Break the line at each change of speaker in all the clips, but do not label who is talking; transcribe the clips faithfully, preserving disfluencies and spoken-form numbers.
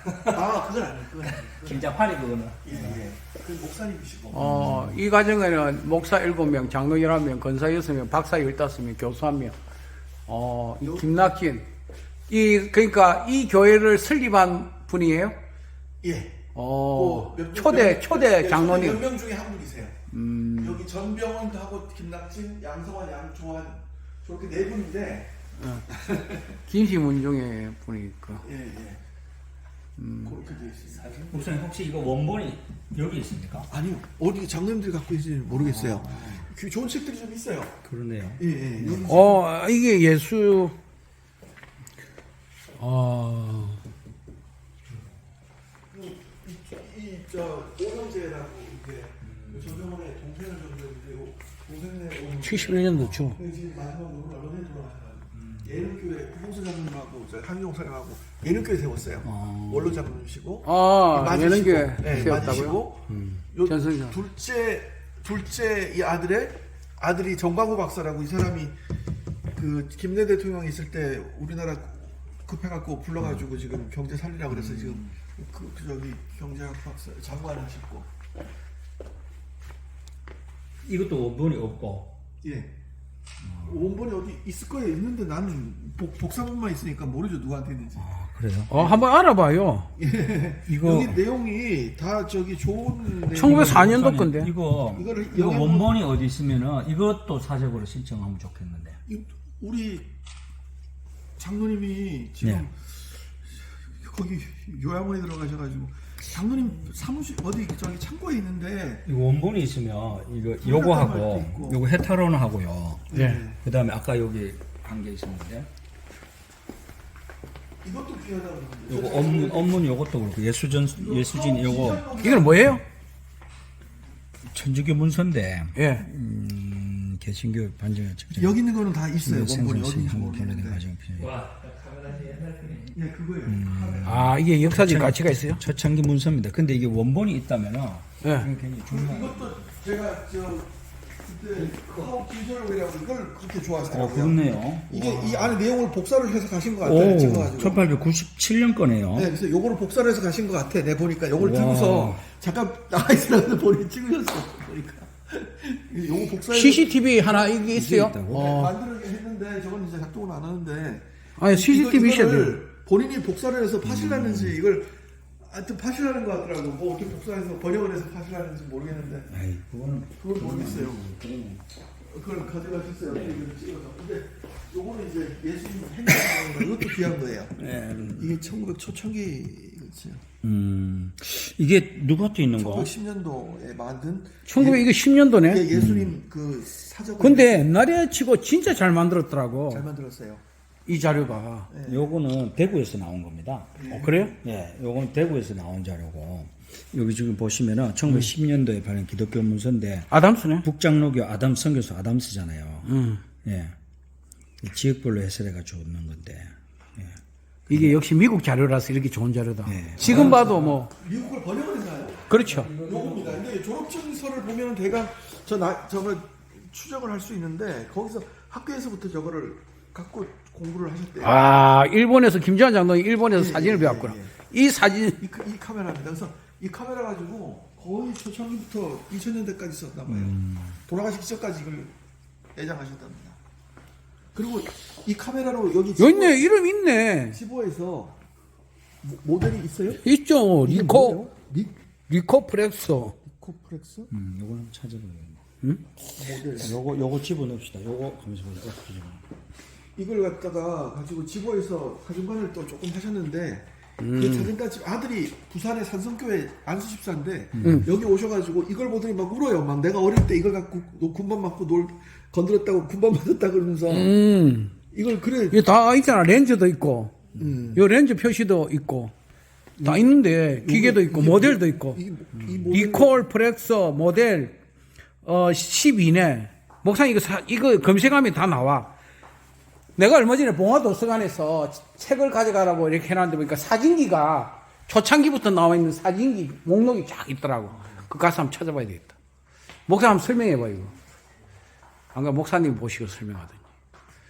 아, 그건 아니에요. 그건 아니에요.
김장판이 그거는.
예, 예. 그 목사님이시고.
어, 이 과정에는 목사 일곱 명, 장로 열한 명, 건사 여섯 명, 박사 열다섯 명, 교수 한 명. 어, 이 김낙진. 이, 그러니까 이 교회를 설립한 분이에요?
예.
어,
그 몇-
초대,
몇-
초대
몇-
장로님.
몇 명 중에 한 분이세요.
음,
여기 전병헌도 하고 김낙진, 양성환, 양조한 저렇게 네 분인데.
김시문중의 분이니까.
예, 예. 음. 그렇게 되어 있습니다.
목사님 혹시 이거 원본이 여기 있습니까?
아니요. 어디 장로님들이 갖고 있는지 모르겠어요. 그 좋은 책들이 좀 있어요.
그러네요.
예, 예. 여기
어, 이게 예수, 어,
이저 오형제라고 이게 전병헌의 동생을 전병헌인데 동생네
칠십일 년도죠.
지금 마지막으로 언론에 돌아가셔가지고 예능교회 구봉수 장로님하고 저 한용 사장하고 예능교회 세웠어요. 원로 장로님이시고
아,
맞으시고,
예능교회
예,
세웠다고요?
맞으시고
음.
요
전승장.
둘째 둘째 이 아들의 아들이 정광호 박사라고 이 사람이 그 김대 대통령이 있을 때 우리나라 급해갖고 불러가지고 지금 경제 살리라 그래서 지금 그, 그 저기 경제학 박사 장관 하셨고
이것도 원본이 없고.
예 원본이 어디 있을 거예요. 있는데 나는 복, 복사본만 있으니까 모르죠 누구한테 있는지.
아, 그래요?
어, 한번 알아봐요.
이거
여기 내용이 다 저기 좋은 내용.
천구백사 년도 건데.
이거
이거를
이거
영양분-
원본이 어디 있으면은 이것도 사적으로 신청하면 좋겠는데.
이- 우리 장로님이 지금
네.
거기 요양원에 들어가셔가지고 장로님 사무실 어디 저기 창고에 있는데
이거 원본이 있으면 이거
할때
요거하고
있고.
요거 헤타로는 하고요.
네.
그다음에 아까 여기 한 게 있었는데
이것도 귀하다고 그러는데
요거 업문 업문 요것도 그렇고 예수전 예수진 요거
이건 뭐예요?
천주교 문서인데
예.
음, 개신교 반증의 책정.
여기 있는 거는 다 있어요. 원본이 어디 있는지
한국 결례된
모르겠는데.
과정 필요.
예, 그거예요.
음.
아, 이게 역사적 가치가 있어요?
초창기 문서입니다. 근데 이게 원본이 있다면은
예.
이거 굉장히 중요한.
이것도 제가 저 그때 하우 김솔로이라고 이걸 그렇게
어,
좋아하시더라고요.
그렇네요.
이게 이 안에 내용을 복사를 해서 가신 것 같아요.
오,
찍어가지고.
천팔백구십칠 년 거네요.
네, 그래서 요거를 복사를 해서 가신 것 같아. 내 보니까 요걸
와.
들고서 잠깐 나가 있으라고 본인이 찍으셨어. 보니까. 요거 복사해
씨씨티비 하나 이게 있어요?
있다고?
어.
만들긴 했는데 저건 이제 작동은 안 하는데.
아니, 씨씨티비
이거-
있어야
이거를
돼요.
본인이 복사를 해서 파실라는지 이걸 하여튼 파실하는 것 같더라고. 뭐 어떻게 복사해서 번역을 해서 파실하는지 모르겠는데
아이, 그거는
그걸 모르겠어요. 그걸 가져가셨어요. 이걸 찍어서. 근데 요거는 이제 예수님 행동 이것도 귀한 거예요.
네.
이게 천구백 초창기 그렇죠.
음, 이게 누구한테 있는 거?
천구백십 년도에 만든
천구백 이거 십 년도네?
예, 예수님 그 사적
근데 옛날에 치고 진짜 잘 만들었더라고.
잘 만들었어요.
이 자료가.
요거는 대구에서 나온 겁니다.
어, 그래요?
예, 요건 대구에서 나온 자료고 여기 지금 보시면은 천구백십 년도에 발행 기독교 문서인데
아담스네?
북장로교 아담 선교수 아담스잖아요.
음.
예, 지역별로 해설해가지고 넣는 건데. 예.
이게 역시 미국 자료라서 이렇게 좋은 자료다.
네.
지금 봐도 뭐,
미국을 번역을 했나요?
그렇죠.
요겁니다. 근데 졸업증서를 보면은 대강 저 나 저걸 추적을 할 수 있는데 거기서 학교에서부터 저거를 갖고 공부를 하셨대요.
아, 일본에서, 김지환 장로이 일본에서
예,
사진을
예,
배웠구나.
예,
이 사진,
이, 카- 이 카메라입니다. 그래서 이 카메라 가지고 거의 초창기부터 이천 년대까지 썼나 봐요. 돌아가시기 전까지 이걸 애장하셨답니다. 그리고 이 카메라로 여기
여기 있네, 이름 있네.
지보에서 모- 모델이 있어요?
있죠.
이게
리코,
뭐예요? 리,
리코프렉소.
리코프렉스?
음, 요거 한번 찾아봐야겠네.
모델.
요거 요거 집어넣읍시다. 요거 가면서 보자. 어떻게 집어넣어?
이걸 갖다가 가지고 지보에서 사진관을 또 조금 하셨는데
음.
그 사진관 집 아들이 부산의 산성교회 안수집사인데
음.
여기 오셔가지고 이걸 보더니 막 울어요. 막 내가 어릴 때 이걸 갖고 노- 군밤 맞고 놀 건드렸다고 군밤 맞았다 그러면서
음.
이걸 그래.
이게 다 있잖아. 렌즈도 있고,
음.
요 렌즈 표시도 있고, 다 있는데, 기계도 있고,
이게
모델도
뭐-
있고.
이, 이 모델
리콜 프렉서 모델, 어, 십이네. 목사님, 이거, 사, 이거 검색하면 다 나와. 내가 얼마 전에 봉화도서관에서 책을 가져가라고 이렇게 해놨는데 보니까 사진기가 초창기부터 나와 있는 사진기 목록이 쫙 있더라고. 그 가서 한번 찾아봐야 되겠다. 목사 한번 설명해봐, 이거. 아까 목사님 보시고 설명하더니.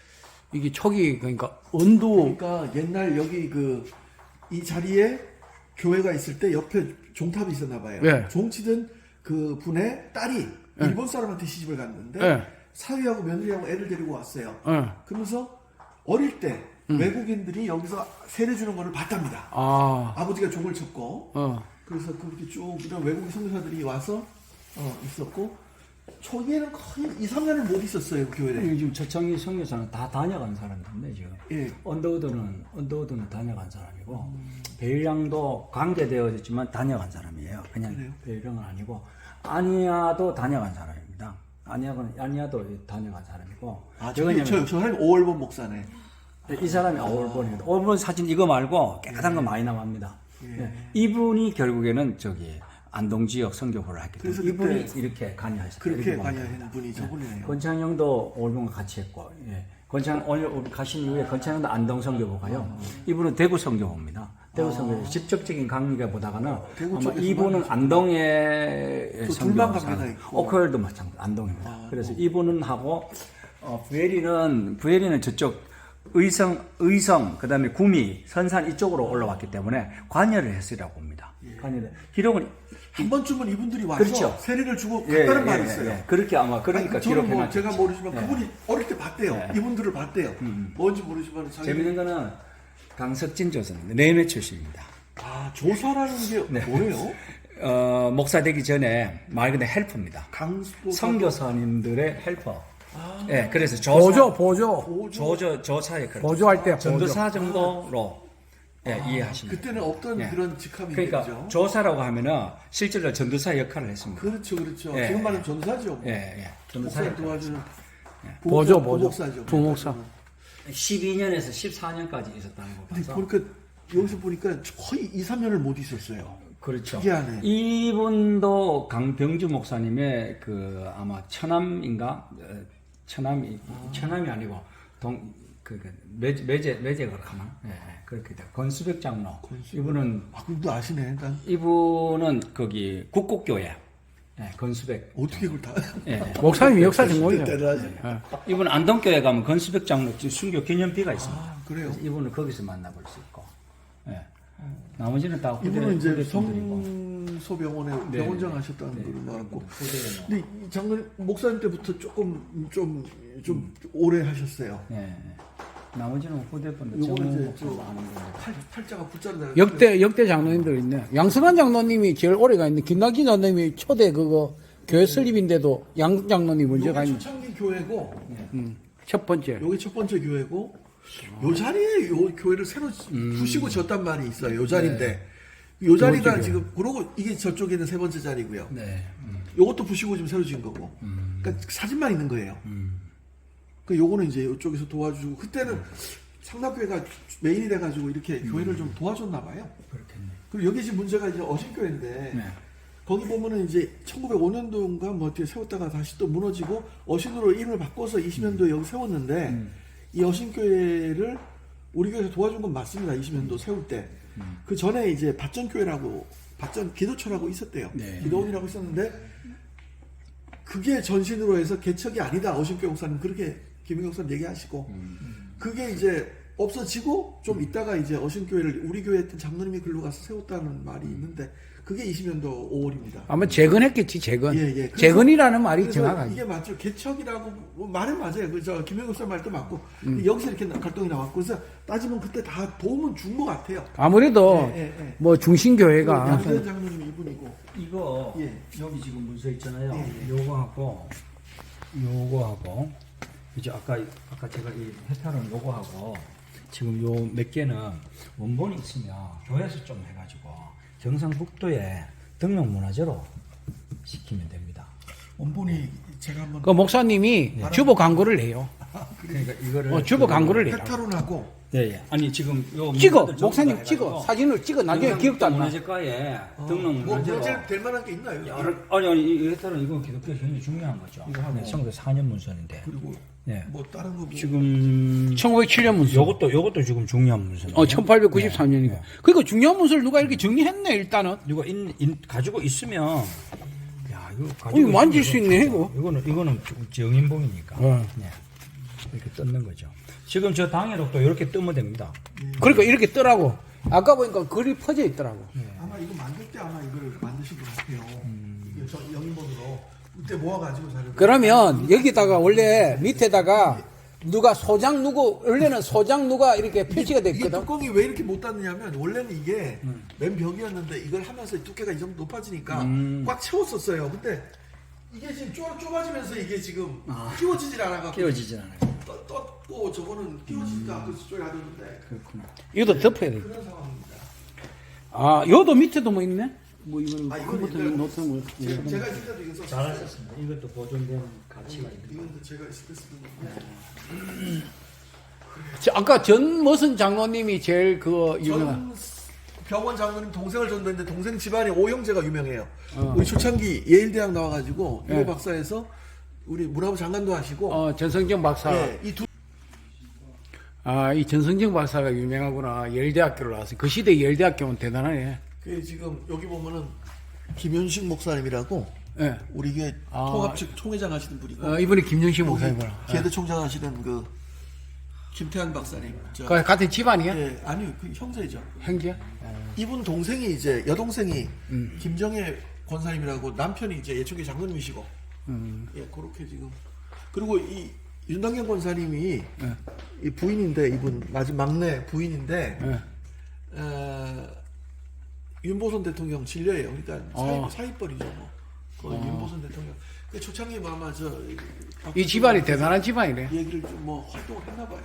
이게 초기, 그러니까, 언두,
그러니까 옛날 여기 그 이 자리에 교회가 있을 때 옆에 종탑이 있었나 봐요.
예.
종치던 그 분의 딸이 일본 사람한테 시집을 갔는데
예.
사위하고 며느리하고 애를 데리고 왔어요.
예.
그러면서 어릴 때
음.
외국인들이 여기서 세례 주는 거를 봤답니다.
아,
아버지가 종을 쳤고
어.
그래서 그렇게 쭉 이런 외국인 선교사들이 와서 어, 있었고 초기에는 거의 이, 삼 년을 못 있었어요 그 교회에.
요즘 저청이 선교사는 다 다녀간 사람인데 지금
예.
언더우드는 언더우드는 다녀간 사람이고 베일량도 관계되어졌지만 다녀간 사람이에요. 그냥
그래요?
베일량은 아니고 아니아도 다녀간 사람입니다. 아니아는 아니아도 다녀간 사람이고.
아, 저기 저, 저 사람이 오월본 목사네.
이 사람이 오월본입니다. 오월본 사진 이거 말고 깨끗한 거 많이 나갑니다. 예. 이분이 결국에는 저기 안동 지역 선교부를 했기 때문에
그래서
이분이
그때
이렇게 관여하셨어요.
그렇게
이렇게
관여하는 분이 저분이네요.
권창영도 오월본과 같이 했고, 예. 권창 오늘 가신 이후에 권창영도 안동 선교부 가요. 이분은 대구 선교부입니다. 대구 선교부 직접적인 강의가 보다가는
대구
아마
쪽에서
이분은
많이
안동의
또 둘만
선교사,
관계가 있고.
오크월도 마찬가지 안동입니다.
아,
그래서 이분은 하고 어, 부엘이는 부엘이는 저쪽 의성, 의성, 그 다음에 구미, 선산 이쪽으로 올라왔기 때문에 관여를 했으라고 봅니다. 관여를. 기록은,
한 번쯤은 이분들이 와서
그렇죠.
세례를 주고
예,
갔다는
예,
말이
예,
있어요.
예. 그렇게 아마, 그러니까
아니, 저는 뭐
기록해놨죠.
제가 모르지만
예.
그분이 어릴 때 봤대요.
예.
이분들을 봤대요. 뭔지 모르지만 자기
재밌는 거는 강석진 조사입니다. 내외 출신입니다.
아 조사라는 게
네.
뭐예요?
어, 목사 되기 전에 말 그대로 헬퍼입니다.
강수도
선교사님들의 헬퍼. 예, 그래서 조사,
보조, 보조.
보조.
조조, 조사 역할.
보조할 때 보조.
전도사 정도로 예, 이해하시면
그때는 없던
예.
그런 직함이
그러니까
있죠.
조사라고 하면은 실제로 전도사 역할을 했습니다.
그렇죠, 그렇죠.
예.
지금 말하면 전사죠. 뭐.
예, 예. 전도사
목사
역할.
도와주는
보조,
부목사-
보조.
부목사죠.
부목사.
십이 년에서 십사 년까지 있었다는 거
근데
봐서.
보니까 여기서 보니까 거의 이, 삼 년을 못 있었어요.
그렇죠.
특이하네.
이분도 강병주 목사님의 그 아마 처남인가 어, 처남이 처남이 아니고 동 그, 그 매제 매제 매제가 가나 예, 예, 그렇게 돼. 권수백 장로. 이분은
아, 그럼 너 아시네. 난
이분은 거기 국곡교회 예, 권수백.
어떻게 그걸 다.
예, 예.
목사님이 역사 전공이죠.
대단하지.
이분 안동교회 가면 권수백 장로 순교 기념비가 있습니다.
아, 그래요?
그래서 이분을 거기서 만나볼 수 있고. 예. 나머지는 다 후대,
이분은 이제
후대 분들이고.
성소병원에
네,
병원장
네.
하셨다는
네.
걸로 알았고.
후대에 뭐.
근데 이 장로님 목사님 때부터 조금 좀 좀 오래 하셨어요.
예. 나머지는 후대분들
요거는
정문
이제
목사가
저
하는 건데.
팔, 팔자가 붙잖아요.
역대, 역대 장로님들 있네. 양승환 장로님이 제일 오래가 있는데, 김남기 장로님이 초대 그거, 교회 설립인데도 양 장로님 먼저 가
여기
있는.
초창기 교회고
음, 첫 번째.
여기 첫 번째 교회고 요 자리에 요 교회를 새로 부시고 졌단 말이 있어요. 요 자리인데 요 자리가
교회.
지금 그러고 이게 저쪽에는 세 번째 자리고요.
네. 음.
요것도 부시고 지금 새로 지은 거고. 그러니까 사진만 있는 거예요. 그 요거는 이제 이쪽에서 도와주고 그때는 상납교회가 메인이 돼가지고 이렇게 교회를 좀 도와줬나 봐요.
그렇겠네.
그리고 여기 지금 문제가 이제 어신교회인데
네.
거기 보면은 이제 천구백오 년도인가 뭐 어떻게 세웠다가 다시 또 무너지고 어신으로 이름을 바꿔서 이십 년도에 여기 세웠는데
음.
이 어신교회를 우리 교회에서 도와준 건 맞습니다. 이십 년도 세울 때. 그 전에 이제 밭전교회라고 밭전 기도처라고 있었대요.
네.
기도원이라고 있었는데 그게 전신으로 해서 개척이 아니다. 어신교회 목사님 그렇게 김영경 목사님 얘기하시고 그게 이제 없어지고 좀 있다가 이제 어신교회를 우리 교회 했던 장로님이 글로 가서 세웠다는 말이 있는데 그게 이십 년도 오월입니다.
아마 재건했겠지, 재건.
예, 예. 그래서-
재건이라는 말이
그래서
정확하지.
이게 맞죠. 개척이라고 뭐 말은 맞아요. 그저 김영국 선 말도 맞고
음.
여기서 이렇게 갈등이 나왔고 그래서 따지면 그때 다 도움은 준 것 같아요.
아무래도
예, 예, 예.
뭐 중심교회가
양재현 장로님 이분이고
이거
예.
여기 지금 문서 있잖아요.
예, 예.
요거하고 요거하고 이제 아까 아까 제가 이 해탈은 요거하고 지금 요 몇 개는 원본이 있으면 교회에서 좀 해가지고 경상북도에 등록 문화재로 시키면 됩니다.
원본이 제가 한번
그 목사님이 주보 광고를 내요.
그러니까 이거를
어, 주보 광고를 내요.
페타론하고
예, 예. 아니 지금 요
찍어,
문서들 전부
목사님
다
찍어,
해가지고
사진을 찍어. 나중에 기억도 안 나.
문화재과에 등록
뭐
문화재로
문제 될 만한 게 있나요?
여러, 아니 아니 이 해탈은 이건 기독교 굉장히 중요한 거죠.
이거 하고.
네, 천구백사 년 문서인데.
그리고
예.
뭐 다른 거 뭐.
지금
천구백칠 년 문서.
요것도 요것도 지금 중요한 문서예요.
어, 천팔백구십삼 년이고.
네.
그러니까 중요한 문서를 누가 이렇게 정리했네, 일단은.
이거 인, 인, 가지고 있으면 야 이거
어,
가지고
이거 만질
있으면
수 있네,
진짜
이거.
이거는 이거는 정인봉이니까.
어.
네. 이렇게 뜯는 거죠. 지금 저 당해록도 이렇게 뜨면 됩니다.
그러니까 이렇게 뜨라고. 아까 보니까 글이 퍼져 있더라고.
아마 이거 만들 때 아마 이걸 만드신 것 같아요.
음.
이게 저 영인본으로 그때 모아가지고 자료.
그러면 여기다가 원래 밑에다가 누가 소장 누구 원래는 소장 누가 이렇게 표시가 돼
이게
있거든.
뚜껑이 왜 이렇게 못 닫느냐면 원래는 이게 맨 벽이었는데 이걸 하면서 두께가 이 정도 높아지니까
음.
꽉 채웠었어요. 근데 이게 지금 좁, 좁아지면서 이게 지금 끼워지질 않아가지고
끼워지진 않아요.
떠, 떴고 저거는 끼워지지도 않고 저쪽에 놔뒀는데
그렇구나.
이것도 덮어야 돼.
그런 상황입니다.
아, 요도 밑에도 뭐 있네? 뭐 이건
아, 이건
컴퓨터
옛날-
놓던 거.
제가, 제가 있을 때도 이거 썼어요.
잘하셨습니다. 이것도 보존된 가치가 있는
이건 제가 있을 때 쓰던 건데
저 아까 전 무슨 장로님이 제일 그 유명한.
전 병원 장로님 동생을 전도했는데 동생 집안이 오형제가 유명해요.
어.
우리 초창기 예일대학 나와가지고
예.
유호 박사에서 우리 문화부 장관도 하시고
어, 전성정 박사.
예, 이두
아, 이 전성정 박사가 유명하구나. 예일대학교를 나왔어. 그 시대 예일대학교는 대단하네.
그 지금 여기 보면은 김현식 목사님이라고
예.
우리 교회
아.
통합 측 총회장 하시는 분이고
어, 이분이 김영식 목사님이구나.
계대 총장 하시는 그 김태환 박사님. 저,
그 같은 집안이야?
예, 아니요, 그 형제죠.
형제야?
이분 동생이 이제 여동생이
음.
김정혜 권사님이라고 남편이 이제 예초기 장로님이시고
음.
예 그렇게 지금 그리고 이 윤당경 권사님이
예.
이 부인인데 이분 마지막 막내 부인인데
예.
어, 윤보선 대통령 진료예요. 그러니까
어.
사입, 사입벌이죠. 뭐. 그 윤보선 대통령. 그 초창기 뭐 아마 저
이 집안이 대단한 집안이네.
얘기를 좀 뭐 활동을 했나 봐요.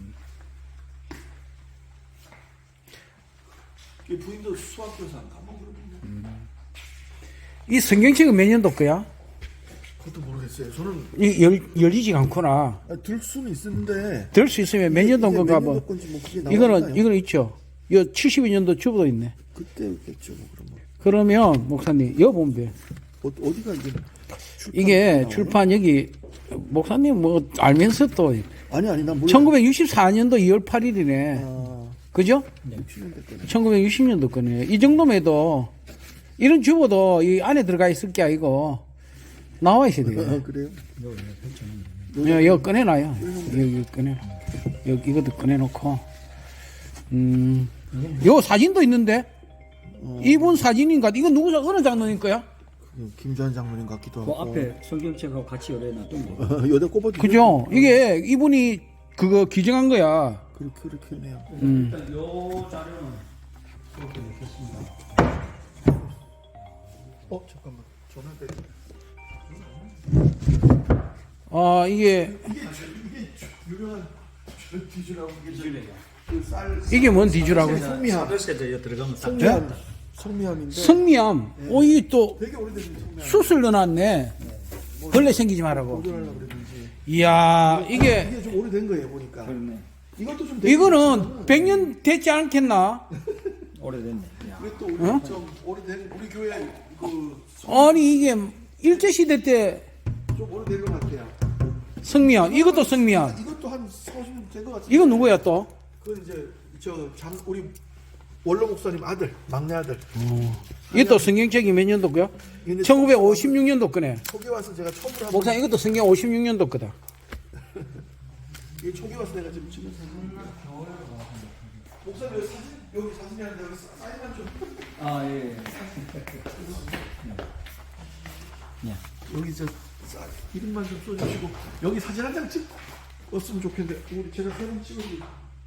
이 부인도 수학교사인가 뭐 그러는데.
이 성경책은 몇 년도 거야?
그것도 모르겠어요. 저는
이 열, 열리지가 않구나.
아, 들 수는 있는데
들 수 있으면 몇 년도
이게
건가
몇
뭐.
년도 건지 뭐 그게
이거는,
나오니까요.
이거는 있죠. 이 칠십이 년도 주보도 있네.
그때겠죠. 뭐 그런 거.
그러면, 목사님, 여기 보면 돼.
어, 어디가 이게 출판
이게
나오나?
출판 여기, 목사님 뭐 알면서 또,
아니 아니 난 몰라.
천구백육십사 년도 이월 팔일이네.
아,
그죠?
육십 년대 때네.
천구백육십 년도 거네. 이 정도면 해도, 이런 주보도 이 안에 들어가 있을 게 아니고, 나와 있어야 돼요.
아, 그래요?
야, 이거 꺼내놔요. 여기 꺼내. 여기 이것도 꺼내놓고. 음, 요 사진도 있는데? 이분 사진인가? 이거 누구, 사- 어느 장로님 거야?
그 김주환 장로님 같기도
그
하고.
앞에 성경책하고 같이 열어 놨던 거.
여대 꼽아주.
그죠? 이게 이분이 그거 기증한 거야.
그렇게 그렇게 네요.
음.
일단 요 자료는 그렇게 넣겠습니다.
어 잠깐만 전화 때.
아, 이게,
이게 이게 유명한 뒤주라고 이게 그쌀
이게 뭔 뒤주라고?
성미함.
사도세제 들어가면 딱
성미함. 성미함인데
성미암. 오, 이게 또
되게 오래된 성미함.
숯을 넣어놨네. 벌레 생기지 말라고.
보존하려고 그랬는지.
이야, 이게,
이게 좀 오래된 거예요 보니까.
그렇네.
이것도 좀 되게
이거는 백 년 됐지 않겠나?
오래됐네. 야.
이게 또 우리
어?
좀 오래된 우리 교회 그
아니, 이게 일제시대 때
좀 오래된 것 같아요.
성미암. 이것도 성미암.
이것도 한 사십 년 된 것 같은데.
이건 누구야 또?
그 이제 저 장 우리 원로 목사님 아들 막내 아들.
이것도 성경책이 몇 년도 거야?
근데
천구백오십육 년도 거네.
초기 와서 제가 처음으로 한
목사 이것도 성경 오십육 년도 거다.
이 초기 와서 내가 지금 찍은 사진입니다. 목사님 여기 사진 여기 사진이 아닌데 여기 사- 사진만 좀
아 예.
여기 저 사- 이름만 좀 써주시고 여기 사진 한 장 찍었으면 좋겠는데 우리 제가 사진 찍어드릴게요.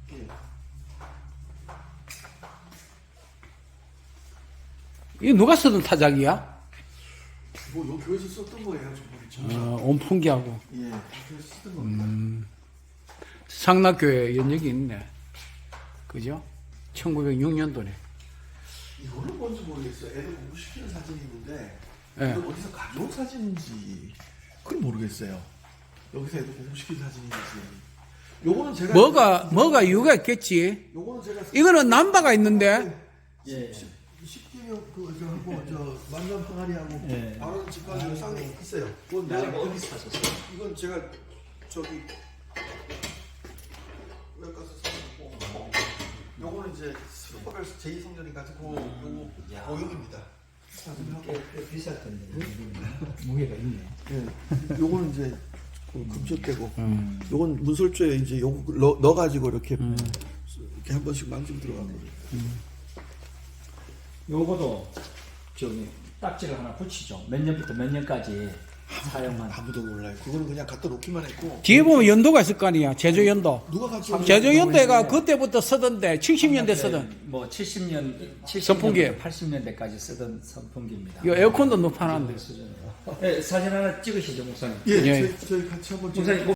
이거 누가 쓰던 타작이야?
뭐 여기 교회에서 썼던 거예요, 전부 다.
어, 온풍기하고.
예, 교회에서 쓰던 겁니다.
상락교회 연역이 있네. 그죠? 천구백육 년도네.
이거는 뭔지 모르겠어요. 애들 공부시키는 사진이 있는데
예.
이건 어디서 가져온 사진인지 그건 모르겠어요. 여기서 애들 공부시키는 사진인지. 요거는 제가
뭐가, 뭐가 이유가 있겠지?
요거는 제가
이거는 남바가 있는데,
예.
십기명 그저 하고 저 만남 항아리하고
예.
바로 집까지 쌍에 있어요. 그건 내가
내가 어디 사셨어요?
이건 제가 저기 외과 가서 사고 요거는 이제 스포별 제이 성전이 같은 그 요거 고용입니다. 사진하고
꽤 비쌀 텐데. 무게가 있네.
예. 요거는 이제 그 금속되고 요건 문설주에 이제 요거 넣어, 넣어가지고 이렇게 이렇게 이렇게 한 번씩 망치고 들어가고.
요거도 저기 딱지를 하나 붙이죠. 몇 년부터 몇 년까지 사용한.
아무도 몰라요. 그거는 그냥 갖다 놓기만 했고.
뒤에 보면 연도가 있을 거 아니야. 제조 연도.
누가 같이
제조 연도가 그때부터 쓰던데 칠십 년대 쓰던.
뭐 칠십 년,
선풍기.
칠십 년부터 팔십 년대까지 쓰던 선풍기입니다.
이 에어컨도 높아놨는데.
네, 사진 하나 찍으시죠, 목사님.
예,
예.
저희, 저희 같이 한번
목사님.